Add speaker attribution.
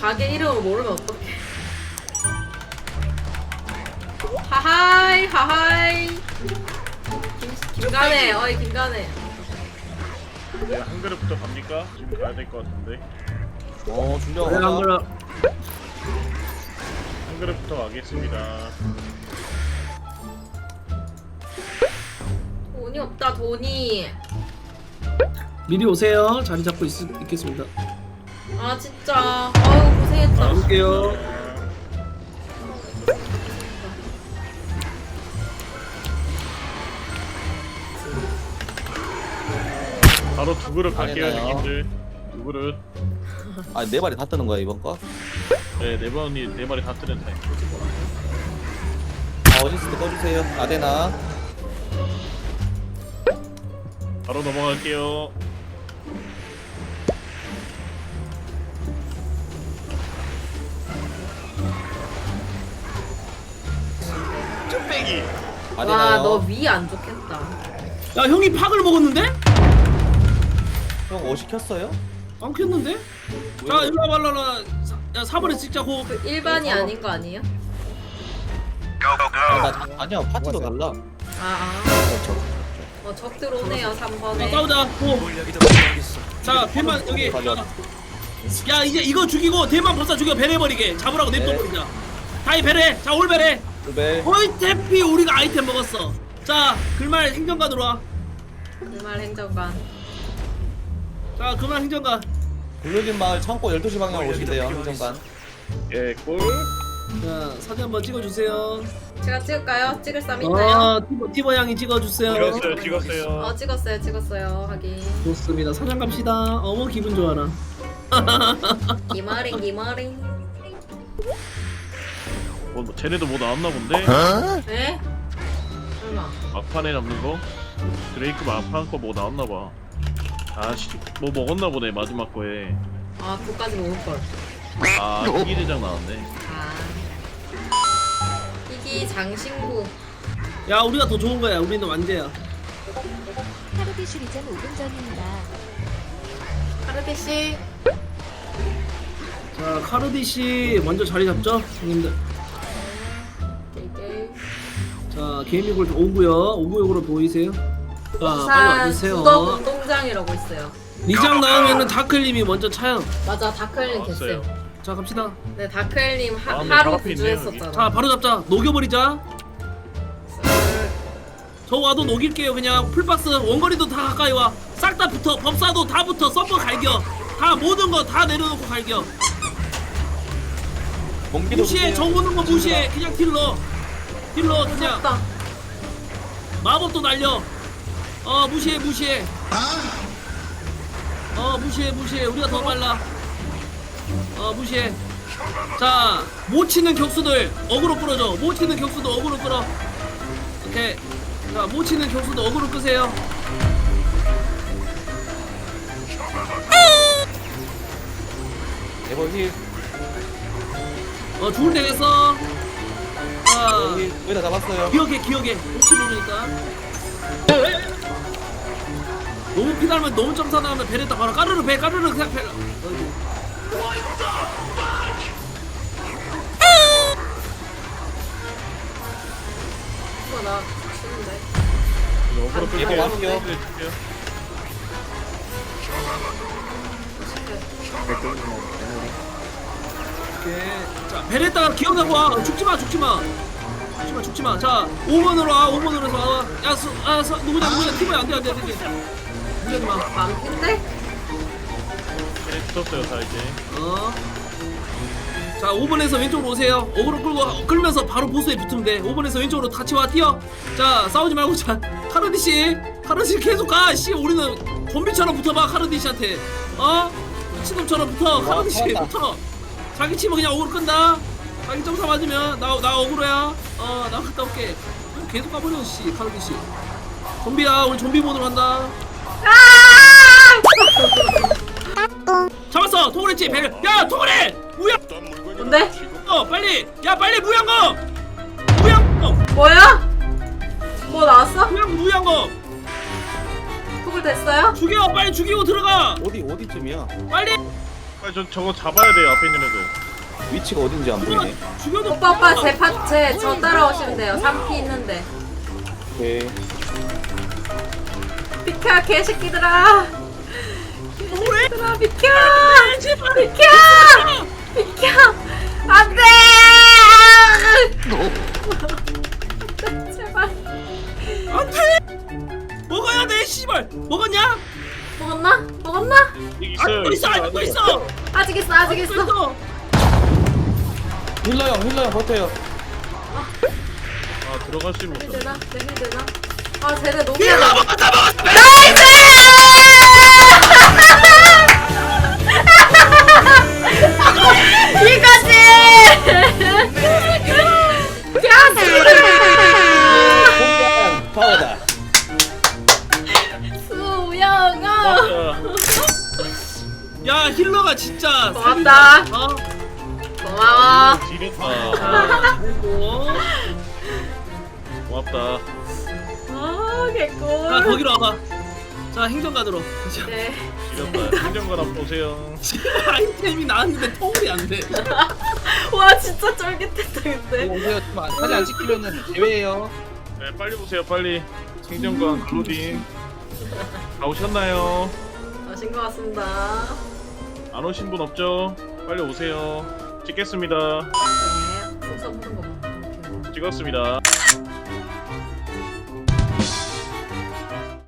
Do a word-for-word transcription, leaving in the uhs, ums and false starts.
Speaker 1: 가게 이름을 모르면 어떡해. 하하이 하하이. 김, 김간해 어이 김간해.
Speaker 2: 네, 한 그릇부터 갑니까? 지금 가야 될 것 같은데.
Speaker 3: 어 준비하고
Speaker 4: 그래, 안 그래.
Speaker 2: 한 그릇부터 가겠습니다.
Speaker 1: 돈이 없다 돈이.
Speaker 4: 미리 오세요. 자리 잡고 있, 있겠습니다.
Speaker 1: 아 진짜 아유 고생했다.
Speaker 4: 가볼게요.
Speaker 2: 바로 두 그릇 갈게요,
Speaker 3: 아니나요?
Speaker 2: 형님들. 두 그릇.
Speaker 3: 아네 마리 다 뜨는 거야 이번 거?
Speaker 2: 네, 네 번이 네 마리 다 뜨는 타임.
Speaker 3: 아 어시스트 꺼주세요. 아데나.
Speaker 2: 바로 넘어갈게요. 쭈빼기.
Speaker 3: 아데나요.
Speaker 1: 와너 위 안 좋겠다.
Speaker 4: 야 형이 팍을 먹었는데?
Speaker 3: 형 어시 켰어요?
Speaker 4: 안 켰는데? 자 일로 와봐 일로 와봐. 야 사 번에 찍자고.
Speaker 1: 그 일반이 아닌 거 아니에요?
Speaker 3: 아, 나, 자- 아니야 파티도 달라.
Speaker 1: 아아 어, 적 들어오네요 삼
Speaker 4: 자
Speaker 1: 번에.
Speaker 4: 싸우자. 고. 자 대만 여기.
Speaker 3: 가져와.
Speaker 4: 야 이제 이거 죽이고 대만 법사 죽여 배내버리게 잡으라고 냅둬버리자. 다이 배래. 자 올 배래.
Speaker 3: 네.
Speaker 4: 어이 태피 우리가 아이템 먹었어. 자 글말 행정관으로 와.
Speaker 1: 그말 행정관.
Speaker 4: 자 그말 행정관.
Speaker 3: 굴르긴 마을 창고 열두 시 방향 오시대요 행정관.
Speaker 2: 예, 꿀.
Speaker 4: 자 사진 한번 찍어주세요.
Speaker 1: 제가 찍을까요? 찍을 사람 있나요?
Speaker 4: 아 티버 티버 양이 찍어주세요.
Speaker 2: 찍었어요, 찍었어요.
Speaker 1: 어 찍었어요 찍었어요 하긴.
Speaker 4: 좋습니다. 사장 갑시다. 어머 기분 좋아라.
Speaker 1: 기마링 기마링.
Speaker 2: 뭐, 뭐 쟤네도 뭐 나왔나 본데?
Speaker 1: 에? 설마.
Speaker 2: 막판에 잡는 거? 드레이크 막판 거 뭐 나왔나 봐. 아씨, 뭐 먹었나 보네 마지막 거에.
Speaker 1: 아 그거까지 먹을걸.
Speaker 2: 아, 희귀 대장 나왔네.
Speaker 1: 아 희귀 장신구.
Speaker 4: 야 우리가 더 좋은 거야. 우리는 완제야.
Speaker 5: 하루비 슈리전 오 분 전입니다.
Speaker 1: 카르데시.
Speaker 4: 자 카르디 씨 먼저 자리 잡죠, 형님들.
Speaker 1: 게이게이.
Speaker 4: 자 게이밍골드 오고요. 오구역으로 보이세요? 자 빨리
Speaker 1: 부산
Speaker 4: 와주세요.
Speaker 1: 구덕 운동장이라고 있어요.
Speaker 4: 리장 나오면은 다클님이 먼저 차요.
Speaker 1: 맞아 다크엘님 됐어요.
Speaker 4: 자 갑시다.
Speaker 1: 네 다크엘님 하,
Speaker 2: 아, 네,
Speaker 1: 하루
Speaker 2: 바로 앞에 있네요,
Speaker 1: 구조했었잖아.
Speaker 4: 자 바로 잡자. 녹여버리자. 저 와도 녹일게요. 그냥 풀박스 원거리도 다 가까이 와. 싹 다 붙어. 법사도 다 붙어. 서버 갈겨. 다 모든 거 다 내려놓고 갈겨.
Speaker 3: 몽기도
Speaker 4: 무시해. 저 오는 거 무시해. 그냥 딜러. 딜러 그냥.
Speaker 1: 무섭다.
Speaker 4: 마법도 날려. 어 무시해 무시해. 어 무시해 무시해. 우리가 더 빨라. 어 무시해. 자 못 치는 격수들 어그로 끌어줘. 못 치는 격수도 어그로 끌어. 오케이. 자 못 치는 격수도 어그로 끄세요.
Speaker 3: 에버 힐.
Speaker 4: 어 죽을 때 됐어. 자
Speaker 3: 힐. 거의 다 잡았어요.
Speaker 4: 기억해 기억해. 혹시 모르니까. 너무 피달면 너무 점사 나오면 배랬다 바로 까르르 배 까르르 그냥 배.
Speaker 1: 이거 나 치는데.
Speaker 2: 이거 어그로 끌게요.
Speaker 3: 이거 왔어요.
Speaker 2: 네, 줄게요.
Speaker 4: 오케이. 자 베랬다가 기억하고 와. 죽지마 죽지마. 죽지마 죽지마. 자 오 번으로 와. 오 번으로 와. 야 수, 아 수, 누구냐 누구냐 팀이야 안돼 안돼 안돼. 무리하지마.
Speaker 1: 만인데?
Speaker 2: 쟤네 붙었어요, 다 이제.
Speaker 4: 어. 자 오 번에서 왼쪽으로 오세요. 어그로 끌고 끌면서 바로 보스에 붙으면 돼. 오 번에서 왼쪽으로 같이 와 뛰어. 자 싸우지 말고 자 카르디 씨, 카르디 씨 계속 가. 씨 우리는 좀비처럼 붙어봐 카르디 씨한테. 어? 미친놈처럼 붙어. 카르디 씨 붙어. 자기 치면 그냥 어그로 끈다. 자기 점사 맞으면 나 나 어그로야. 어 나 갔다 올게. 계속 가버려 씨 카르디 씨. 좀비야 우리 좀비 모드로 간다. 잡았어 토그레치 배를. 야 토그레 무야.
Speaker 1: 뭔데?
Speaker 4: 어 빨리 야 빨리 무양검 무양검
Speaker 1: 뭐야? 뭐 나왔어?
Speaker 4: 무양 무양검
Speaker 1: 톡을 됐어요?
Speaker 4: 죽여 빨리 죽이고 들어가
Speaker 3: 어디 어디쯤이야?
Speaker 4: 빨리
Speaker 2: 빨리 저 저거 잡아야 돼요 앞에 있는 애들.
Speaker 3: 위치가 어딘지 안 보이네.
Speaker 4: 죽여도
Speaker 1: 오빠 오빠 제 파체 저 따라오시면 돼요. 삼 피 있는데.
Speaker 3: 오케이.
Speaker 1: 비켜 개새끼들아. 개새끼들아 비켜. 비켜. 비켜. 안돼. 제발.
Speaker 4: 안돼. 먹어야 돼 씨발. 먹었냐?
Speaker 1: 먹었나? 먹었나?
Speaker 2: 여기 있어요.
Speaker 4: 아직도 있어 아직도 있어.
Speaker 1: 아직 있어 아직
Speaker 4: 아직도
Speaker 1: 있어.
Speaker 4: 있어.
Speaker 3: 힐러 형, 힐러 형 버텨요.
Speaker 2: 아 들어갈 수 있는
Speaker 1: 힐
Speaker 2: 못.
Speaker 1: 되나? 내 힐 되나? 아 쟤네 너무
Speaker 4: 힐러
Speaker 1: 야다.
Speaker 4: 먹었다 먹었다.
Speaker 1: 이거지. 야
Speaker 3: 파워다.
Speaker 1: 수영아.
Speaker 4: 야 힐러가 진짜
Speaker 1: 고맙다.
Speaker 4: 살린다. 어?
Speaker 1: 고마워.
Speaker 2: 지렸다.
Speaker 4: 아, 어?
Speaker 2: 고맙다.
Speaker 1: 아
Speaker 4: 자
Speaker 1: 개꿀.
Speaker 4: 거기로 와봐. 자 행정가드로.
Speaker 1: 네.
Speaker 2: 지렸다. 행정관 한번 보세요.
Speaker 4: 아이템이 나왔는데 통일이 안 돼.
Speaker 1: 와 진짜 쫄깃했다 그때.
Speaker 3: 오세요. 사진 안 찍히면은 제외해요.
Speaker 2: 네 빨리 보세요 빨리. 행정관 클로딩. 다 오셨나요?
Speaker 1: 아신 것 같습니다.
Speaker 2: 안 오신 분 없죠? 빨리 오세요. 찍겠습니다.
Speaker 1: 네. 순서 보는 거 봐.
Speaker 2: 찍었습니다.